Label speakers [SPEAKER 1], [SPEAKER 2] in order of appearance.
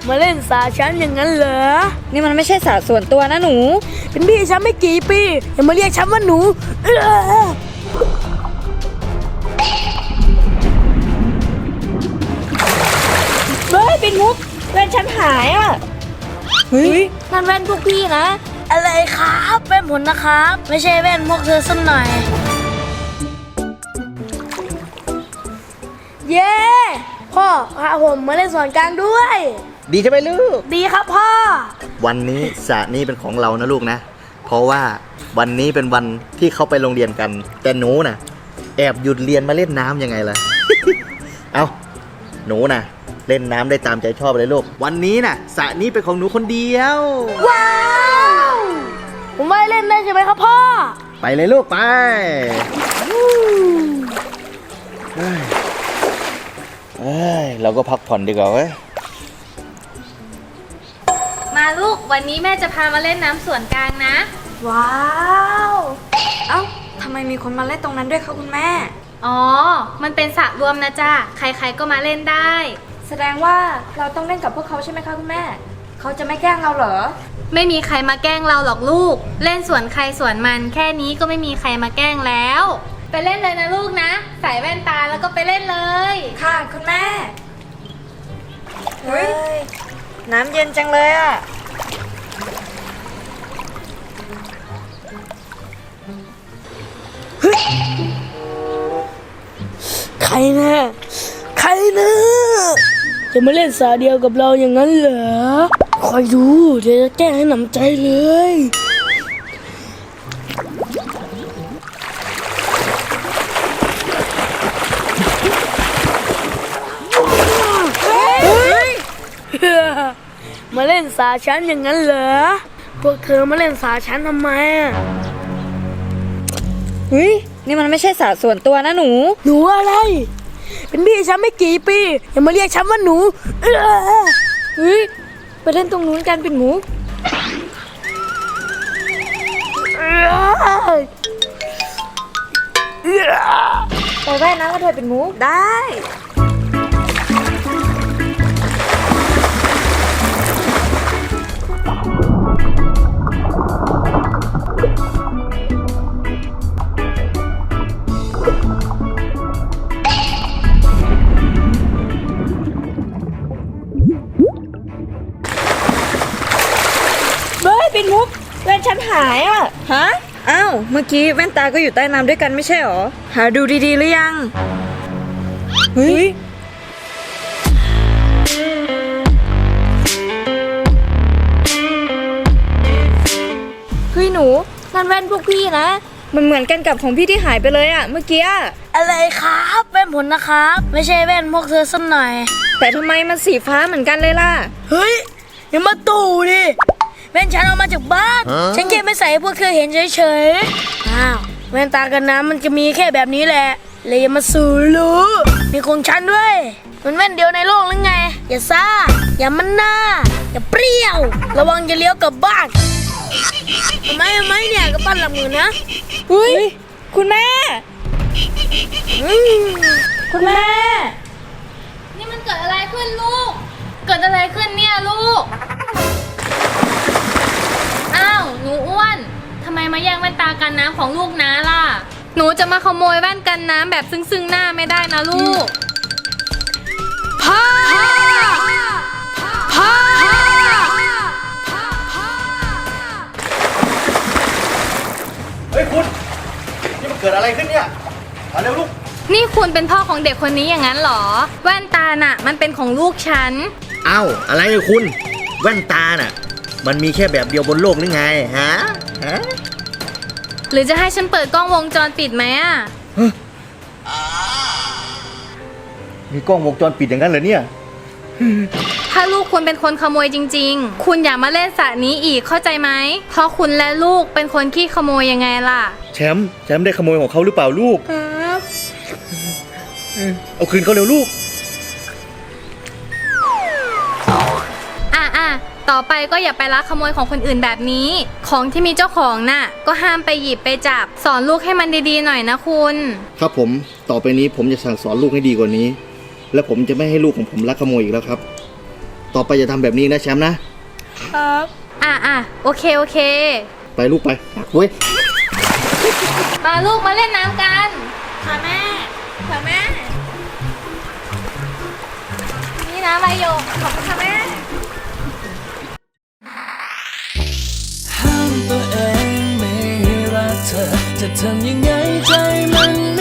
[SPEAKER 1] มาเล่นสาฉันอย่างนั้นเหรอ
[SPEAKER 2] นี่มันไม่ใช่สระส่วนตัวนะหนู
[SPEAKER 1] เป็นพี่ฉันไม่กี่ปีอย่ามาเรียกฉันว่าหนู
[SPEAKER 2] เฮ้ยปิ่นมุกแว่นฉันหายอ่ะเฮ้ยนั่นแว่นพวกพี่นะ
[SPEAKER 1] อะไรครับแว่นผลนะครับไม่ใช่แว่นพวกเธอสักหน่อยเย้พ่อพาผมมาเล่นสวนกลางด้วย
[SPEAKER 3] ดีใช่ไหมลูก
[SPEAKER 1] ดีครับพ่อ
[SPEAKER 3] วันนี้สระนี้เป็นของเรานะลูกนะเพราะว่าวันนี้เป็นวันที่เขาไปโรงเรียนกันแต่หนูน่ะแอบหยุดเรียนมาเล่นน้ำยังไงล่ะ เอาหนูน่ะเล่นน้ำได้ตามใจชอบเลยลูกวันนี้น่ะสระนี้เป็นของหนูคนเดียว
[SPEAKER 1] ว้าวผมไม่เล่นได้ใช่ไหมครับพ่อ
[SPEAKER 3] ไปเลยลูกไปเราก็พักผ่อนดีกว่าเว้ย
[SPEAKER 4] มาลูกวันนี้แม่จะพามาเล่นน้ำสวนกลางนะ
[SPEAKER 2] ว้าวเอ้าทำไมมีคนมาเล่นตรงนั้นด้วยคะคุณแม่
[SPEAKER 4] อ๋อมันเป็นสระรวมนะจ้าใครๆก็มาเล่นได้
[SPEAKER 2] แสดงว่าเราต้องเล่นกับพวกเขาใช่ไหมคะคุณแม่เขาจะไม่แกล้งเราเหรอ
[SPEAKER 4] ไม่มีใครมาแกล้งเราหรอกลูกเล่นสวนใครสวนมันแค่นี้ก็ไม่มีใครมาแกล้งแล้วไปเล่นเลยนะลูกนะใส่แว่นตาแล้วก็ไปเล่นเลย
[SPEAKER 2] ค่ะคุณแม่เฮ้ยน้ำเย็นจังเลยอ่ะ
[SPEAKER 1] ใครนะใครนะจะมาเล่นสาเดียวกับเราอย่างนั้นเหรอคอยดูเดี๋ยวจะแก้ให้หนำใจเลยมาเล่นสาฉันอย่างนั้นเหรอพวกเธอมาเล่นสาฉันทำไม
[SPEAKER 2] เฮ้ยนี่มันไม่ใช่สระส่วนตัวนะหนู
[SPEAKER 1] อะไรเป็นพี่ฉันไม่กี่ปีอย่ามาเรียกฉันว่าหนู
[SPEAKER 2] เฮ้ยไปเล่นตรงนู้นกันปิ่นมุกไปว่ายน้ำกันเถอะปิ่นมุก
[SPEAKER 1] ได้
[SPEAKER 2] ปิ่นมุกแว่นฉันหายอ่ะฮะอ้าวเมื่อกี้แว่นตาก็อยู่ใต้น้ำด้วยกันไม่ใช่หรอหาดูดีๆหรือยังเฮ้ยหนูนั่นแว่นพวกพี่นะมันเหมือนกันกับของพี่ที่หายไปเลยอ่ะเมื่อกี้
[SPEAKER 1] อะไรครับแว่นผลนะครับไม่ใช่แว่นพวกเธอสักหน่อย
[SPEAKER 2] แต่ทำไมมันสีฟ้าเหมือนกันเลยล่ะ
[SPEAKER 1] เฮ้ยอย่ามาตู่ดิแว่นฉันเอามาจากบ้านฉันแค่ไม่ใส่ให้พวกเธอเห็นเฉยๆอ้าวแว่นตากันน้ำมันจะมีแค่แบบนี้แหละเลยอย่ามาสูรู้มีของฉันด้วยมันแว่นเดียวในโลกหรือไงอย่าซ่าอย่ามันหน้าอย่าเปรี้ยวระวังจะเลี้ยวกลับบ้านทำไมเนี่ยก็ปั้นหลับมือนะ
[SPEAKER 2] อุ้ยคุณแม่คุณแม่
[SPEAKER 4] นี่มันเกิดอะไรขึ้นลูกเกิดอะไรขึ้นเนี่ยลูกอ้าวหนูอ้วนทำไมมาแย่งแว่นตากันน้ำของลูกน้าล่ะหนูจะมาขโมยแว่นกันน้ำแบบซึ่งหน้าไม่ได้นะลูกพ่อ
[SPEAKER 3] เฮ้ยคุณนี่มันเกิดอะไรขึ้นเนี่ยมาเร็วลูก
[SPEAKER 4] นี่คุณเป็นพ่อของเด็กคนนี้อย่างนั้นเหรอแว่นตาน่ะมันเป็นของลูกฉัน
[SPEAKER 3] อ้าวอะไรเนี่ยคุณแว่นตาน่ะมันมีแค่แบบเดียวบนโลกหรือไงฮะ
[SPEAKER 4] หรือจะให้ฉันเปิดกล้องวงจรปิดไหมอ่ะ
[SPEAKER 3] มีกล้องวงจรปิดอย่างนั้นเหรอเนี่ย
[SPEAKER 4] ถ้าลูกคุณเป็นคนขโมยจริงๆคุณอย่ามาเล่นสระนี้อีกเข้าใจไหมเพราะคุณและลูกเป็นคนขี้ขโมยยังไงล่ะ
[SPEAKER 3] แชมป์ได้ขโมยของเขาหรือเปล่าลูก
[SPEAKER 4] ครับ
[SPEAKER 3] เอาคืนเขาเร็วลูก
[SPEAKER 4] ต่อไปก็อย่าไปลักขโมยของคนอื่นแบบนี้ของที่มีเจ้าของน่ะก็ห้ามไปหยิบไปจับสอนลูกให้มันดีๆหน่อยนะคุณ
[SPEAKER 3] ครับผมต่อไปนี้ผมจะสั่งสอนลูกให้ดีกว่านี้และผมจะไม่ให้ลูกของผมลักขโมยอีกแล้วครับต่อไปอย่าทำแบบนี้นะแชมป์นะ
[SPEAKER 1] ครับ
[SPEAKER 4] อ่ะโอเค
[SPEAKER 3] ไปลูกไปเว้ย
[SPEAKER 4] มาลูกมาเล่นน้ำกัน
[SPEAKER 2] ค่ะแม่ ค่ะแม่
[SPEAKER 4] นี่นะใบโยกขอบคุณค่ะแม่
[SPEAKER 5] ห้ามตัวเองไม่ให้รักเธอ จะทำยังไงใจมัน